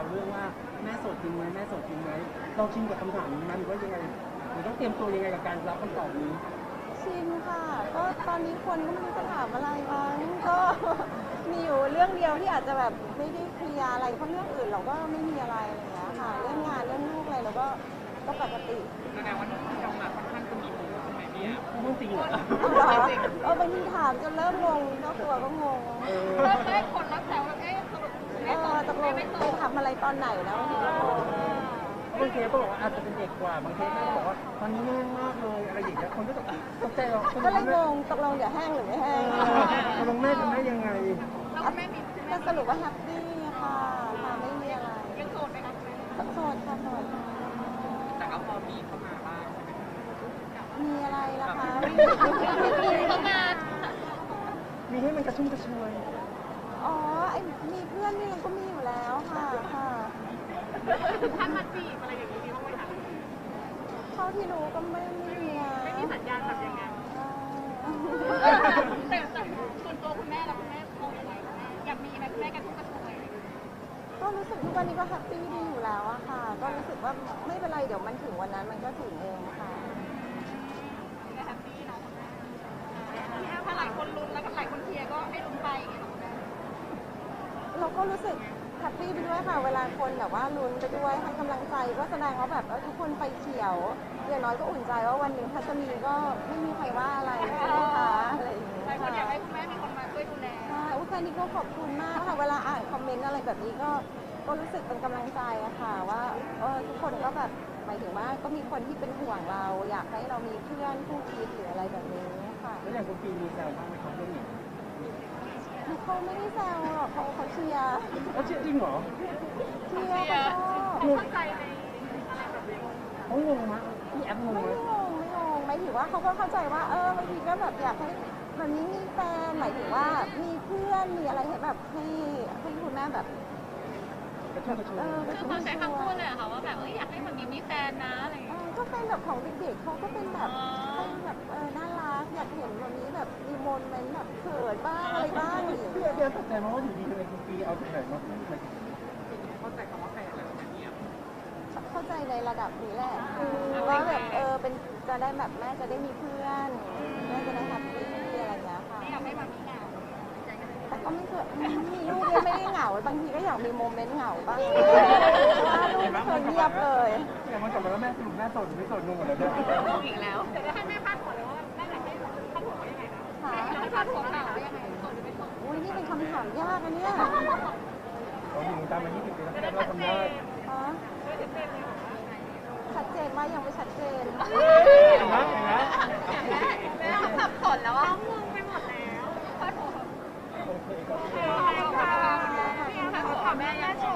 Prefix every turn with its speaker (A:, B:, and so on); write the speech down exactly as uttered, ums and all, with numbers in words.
A: วเรื่องว่าแม่โสดจริงไหมแม่โสดจริงไหมเราชินกับคำถามนี้มันหรือว่ายังไงหรือต้องเตรียมตัวยังไงกับการรับคำตอบนี้
B: ชินค่ะก็ตอนนี้คนก็ไม่รู้จะถามอะไรมั้งก็มีอยู่เรื่องเดียวที่อาจจะแบบไม่ได้เคลียร์อะไรเพราะเรื่องอื่นเราก็ไม่มีอะไรอะไรอย่างเงี้ยค่ะเรื่องงานเรื่องลูกอะไรเราก็ก็ปกติ
C: แสดงว่าที่เรามาค่อนข้างจะมีมูใช่ไหมพี่แอฟ
A: พูดจริงเหรอ
B: เหรอเออบางทีถามจนเริ่มงงเจ้าตัวก็งง
A: เออ
C: เริ่มได้คนรักแซวแล้วเอ๊ะสรุป
B: เออตกลงไปทำอะไรตอนไหนนะบางทีก็งง
A: บางเคสก็บอกว่าอาจจะเป็นเด็กกว่าบางเคสก็บอกว่าตอนนี้แห้งมากเลยอะไรอย่างเงี้ยคนก็ตกตกใจหรอก
B: ก็เลยงงตกลงเดี๋ยวแห้งหรือไม่แห้ง
A: ตกลงแม่จะแม่ยังไง
C: แล้วแม่มี
B: ก็สรุปว่าแฮปปี้ค่ะค่ะไม่มีอะไร
C: ยังโสดไหมคะแม่
B: โสดค่ะโสด
C: แต่ก็พอมีเข้ามาบ้างใช่ไหมคะ
B: มีอะไรล่ะคะ
C: เข้ามา
A: มีให้มันกระชุ่มกระชวย
B: อ๋อไอมีเพื่อนนี่ก็มีอยู่แล้วค่ะค่ะ
C: ท่านมาจีบอะไรอย่างนี้มีบ้างไหมคะ
B: เท่าที่รู้ก็ไม่ไม่มีนะ
C: ไม่มีสัญญาณแบบยังไง
B: อ่า
C: แต่แต่ส่วนตัวคุณแม่แล้วคุณแม่มองยังไงคุณแม่อยากมีไหมคุณแม่กระทุ่มกระชวย
B: ก็รู้สึกทุกวันนี้ก็แฮปปี้ดีอยู่แล้วอะค่ะ ก็รู้สึกว่าไม่เป็นไรเดี๋ยวมันถึงวันนั้นมันก็ถึงเองค่ะ
C: แฮปปี้เนาะคุณแม่ถ้าหลายคนลุ้นแล้วก็หลายคนเชียร์ก็ให้ลุ้นไปอย่างเงี้ยคุณแม่
B: เราก็รู้สึกแฮปปี้ไปด้วยค่ะ เวลาคนแบบว่าลุ้นไปด้วยให้กำลังใจก็แสดงว่าแบบเออทุกคนไปเขียวอย่างน้อยก็อุ่นใจว่าวันหนึ่งถ้าจะมีก็ไม่มีใครว่าอะไรใช่ไหมคะอะไรอย่างเงี้ย
C: หลายคนอยาก
B: ค่ะ
C: ให้คุณแม่มีคนมาช่วยดูแล
B: ใช่อุ้ยแค่นี้ก็ขอบคุณมากค่ะ เวลาอ่านคอมเมนต์อะไรแบบนี้ก็ก็รู้สึกเป็นกำลังใจอะค่ะว่าเออทุกคนก็แบบหมายถึงว่าก็มีคนที่เป็นห่วงเรา อยากให้เรามีเพื่อนคู่คิดหรืออะไรแบบนี้ค่ะ
A: แล้วอย่างคุณปีมีแซวบ้างไหมครับเรื่องนี้
B: เขาไม่ได้แซวหรอกเขาเขาเชียร์
A: เขาเชื่อจริงเหรอ
B: เชียร์เขาชอบ
C: เข้าใจในอะไรแบบนี้
A: เขางงมะพี่แอปงง
B: ไม่
A: ไหม
B: งงไม่งงหมายถึงว่าเขาก็เข้าใจว่าเออบางทีก็แบบอยากให้แบบนี้มีแฟนหมายถึงว่ามีเพื่อนมีอะไรให้แบบให้ให้คุณแม่แบบ
A: กระชุ่มกระชวย
B: เออ
C: คือเขาใช้คำพูดเลยเหรอค่ะว่าแบบเอ้ยอยากให้มันมีมีแฟนนะอะไรอย่าง
B: เอ
C: เงี้ย
B: อก็เป็นแบบของเด็กๆเขาก็เป็นแบบเป็นแบบเออน่ารักอยากเห็นวันนี้แบบมีโมเมนต์แบบเขินบ้างอะไรบ้างอะไรอย่าง
A: พี่
B: เงี้
A: แอย ปพี่แอปตกใจมากว่าอยู่ดีทำไมคุณปีเอาจากไหนมาพูดมา
C: เข้าใจคำว่าแฟนอะไรแบบนี้
B: เข้าใจในระดับนี้แหละคือว่าแบบเออเป็นจะได้แบบแม่จะได้มีเพื่อนแม่จะได้แฮปปี้อะไรอย่างเงี้ยค่ะ
C: ไม่อยากให้มันมีงาน
B: แต่ก็ไม่เคยมีลูกเนี่ยไม่ได้เหงาบางทีก็อยากมีโมเมนต์เหงาบ้างเพราะว่าลูกไม่เคยเงียบเลย
A: แต่มันกลับมาแล้วแม่สรุปแม่โสดหรือไม่โสดงงหมดแล้วเนี่ย
C: งงอีกแล้วแต่จะให้แม่พาดหัวเลยว่าแม่อยากให้พาดหัวว่ายังไงนะ
B: ค่ะ
C: ให้พาดหัวข่าวว่ายังไงโสดหรือไม่โสด
B: อุ้ยนี่เป็นคำถามยากอันเนี้ย
A: เราอยู่วงการมายี่สิบปีแล้วเราทำได้
B: ฮะชัดเจนว่ายังไม่ชัดเจน
A: เห็นไหมเห็นไหม
C: แม่สับสนแล้วว่างงไปหมดแล้วพาดหัว
A: โอเคก็
C: พี่แอฟขอแม่แม่